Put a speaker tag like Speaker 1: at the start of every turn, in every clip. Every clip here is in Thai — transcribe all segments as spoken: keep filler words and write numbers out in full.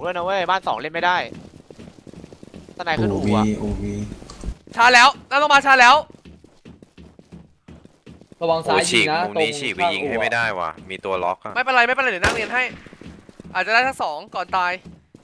Speaker 1: ด้วยนะเว้ยบ้านสองเล่นไม่ได้ตะไนขึ้นอู่อะ
Speaker 2: โอวี
Speaker 3: ชาแล้วแล้วต้องมาชาแล้ว
Speaker 4: ระวังซ้ายยิงนะ
Speaker 5: มุมนี้ฉีกไปยิงให้ไม่ได้ว่ะมีตัวล็อก
Speaker 3: ไม่เป็นไรไม่เป็นไรเดี๋ยวนั่งเรียนให้อาจจะได้ทั้งสองก่อนตาย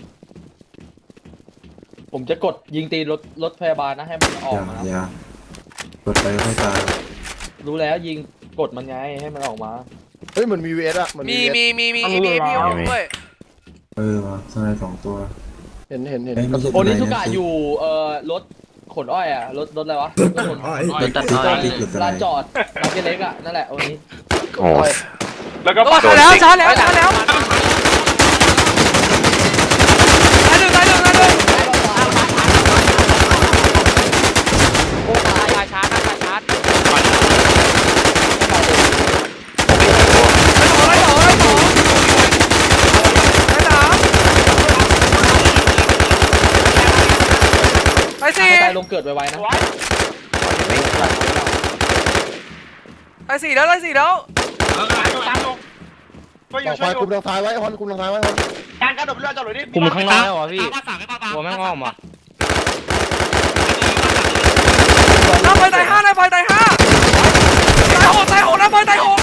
Speaker 4: ผมจะกดยิงตีรถรถพยาบาลนะให้มันออกมา
Speaker 2: อย่า กดไปให้ตาย
Speaker 4: รู้แล้วยิงกดมันไงให้มันออกมา
Speaker 6: เฮ้ยเหมือนมีเวสอะ
Speaker 3: มีมีมีมีมีมีด้วย
Speaker 2: เออวะสไนสองตัว
Speaker 6: เห็นเห็นเห็น
Speaker 4: โอนิสุกะอยู่เอ่อรถขนอ้อยอะรถรถอะไรวะรถขนอ้อยรถตัดอ้อยลานจอดร้านเล็กอะนั่นแหละโอนี้
Speaker 5: โอ้ย
Speaker 3: แล้วก็ชาแล้วชาแล้วชาแล้วตายหนึ่งตายหนึ่งตายหนึ่ง
Speaker 1: โอ้ตายชาร์จตายชาร์จ
Speaker 3: ไล่สองไล่สองไล่สามไล่สี่
Speaker 4: ตายลงเกิดไวๆนะ
Speaker 3: ไล่สี่แล้วไล่สี่แล้ว
Speaker 6: ต่อไปคุมทางซ้ายไว้ฮอนคุมทางซ้ายไว้ฮอน
Speaker 1: การกระโดดเรือจอดเลยดิ
Speaker 7: คุมข้างล่างเหรอพี่หัวแม่งอ้อมอ่ะ
Speaker 3: น้ำไฟตายห้าน้ำไฟตายห้าตายหกตายหกน้ำไฟตายหก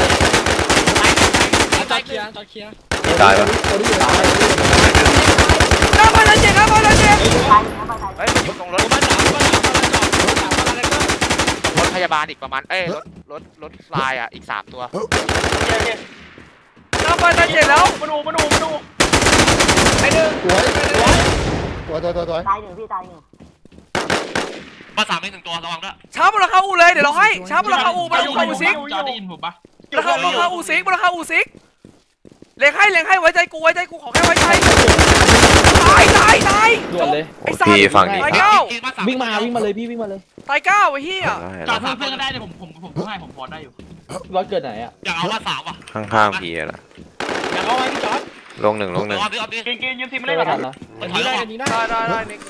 Speaker 7: จอดเคลียร์จอดเคลียร์
Speaker 5: ตายปะ
Speaker 3: น้ำไฟตายเจ็ดน้ำไฟตายเจ็ด
Speaker 1: เฮ้ยมันอยู่ตรงรถรถพยาบาลอีกประมาณเอ้ยรถรถรถฟลายอ่ะอีกสามตัว
Speaker 3: น้ำไฟตายเจ็ดแล้วมาดูมาดูมาดูไอ้หนึ่ง
Speaker 6: สวยสวยสวยสวยสวย
Speaker 8: ตายหนึ่งพี่ตายหนึ่ง
Speaker 7: มาสามไม่หนึ่งตัวระวังด้วย
Speaker 3: ช้าบนราคาอูเลยเดี๋ยวเราให้ช้าบนราคาอูบนราคาอูซิก
Speaker 7: จอได้ยินผมปะ
Speaker 3: ราคาราคาอูซิกบนราคาอูซิกเลี้ยงให้เลี้ยงให้ไว้ใจกูไว้ใจกูขอแค่ไว้ใจตายตายตาย
Speaker 4: ด่วนเลย
Speaker 3: ไอ้สัตว์
Speaker 5: ฝั่งนี้
Speaker 3: ตายเก้า
Speaker 4: วิ่งมาวิ่งมาเลยพี่วิ่งมาเลย
Speaker 3: ตายเก้าไอ้เหี้ย
Speaker 7: จอดเพื่อนเพื่อนก็ได้เลยผมผมผมให้ผมพอได้อยู่
Speaker 4: รถเกิดไหนอ่ะ
Speaker 7: อยากเอาว่าสามว่ะ
Speaker 5: ข้างๆพี่ละ
Speaker 7: อยากเอาไว้พี่จอด
Speaker 5: ลงหนึ่งลงหนึ่ง
Speaker 1: กินกินยืนทีมไม่ได้หรอ
Speaker 7: อันนี้ได้อันนี้ได้
Speaker 3: ได้ได้นิก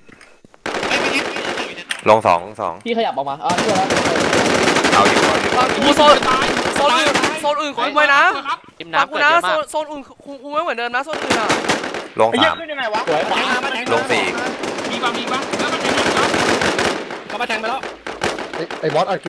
Speaker 5: ลงสองลงสอง
Speaker 4: พี่ขยับออกมาอ่ะพี่แล้ว
Speaker 5: เอาอยู่เอาอยู่
Speaker 3: กูโซนโซนอื่นโซนอื่นคุมไว้นะฟังกูนะโซนโซนอื่นคุมไว้เหมือนเดิมนะโซนอื่นอ่ะ
Speaker 5: ลงสามลงสี่
Speaker 7: มีบ้างมีบ้างแล้วมันแทงก็มาแทงไปแล้ว
Speaker 6: ไอ้บอสอัด